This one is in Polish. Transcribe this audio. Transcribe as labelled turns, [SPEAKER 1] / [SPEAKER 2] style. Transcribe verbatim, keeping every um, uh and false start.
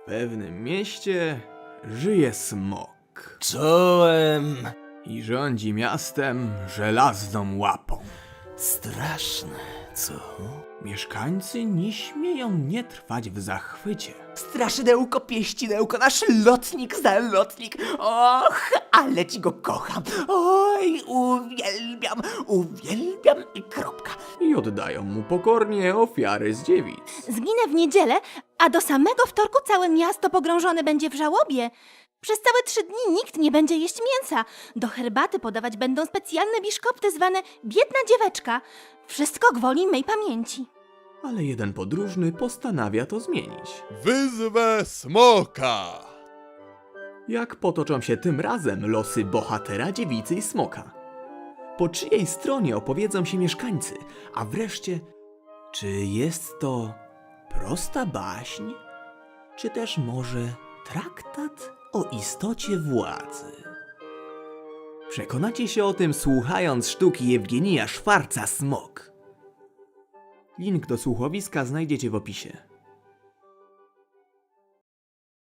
[SPEAKER 1] W pewnym mieście żyje smok
[SPEAKER 2] Czołem.
[SPEAKER 1] i rządzi miastem żelazną łapą.
[SPEAKER 2] Straszne, co?
[SPEAKER 1] Mieszkańcy nie śmieją nie trwać w zachwycie.
[SPEAKER 2] Straszydełko, pieścidełko, nasz lotnik, zalotnik. Och, ale ci go kocham. Oj, uwielbiam, uwielbiam i kropka.
[SPEAKER 1] I oddają mu pokornie ofiary z dziewic.
[SPEAKER 3] Zginę w niedzielę, a do samego wtorku całe miasto pogrążone będzie w żałobie. Przez całe trzy dni nikt nie będzie jeść mięsa. Do herbaty podawać będą specjalne biszkopty zwane biedna dzieweczka. Wszystko gwoli mej pamięci.
[SPEAKER 1] Ale jeden podróżny postanawia to zmienić.
[SPEAKER 4] Wyzwę smoka!
[SPEAKER 1] Jak potoczą się tym razem losy bohatera, dziewicy i smoka? Po czyjej stronie opowiedzą się mieszkańcy? A wreszcie, czy jest to prosta baśń? Czy też może traktat o istocie władzy? Przekonacie się o tym, słuchając sztuki Jewgenija Szwarca Smok. Link do słuchowiska znajdziecie w opisie.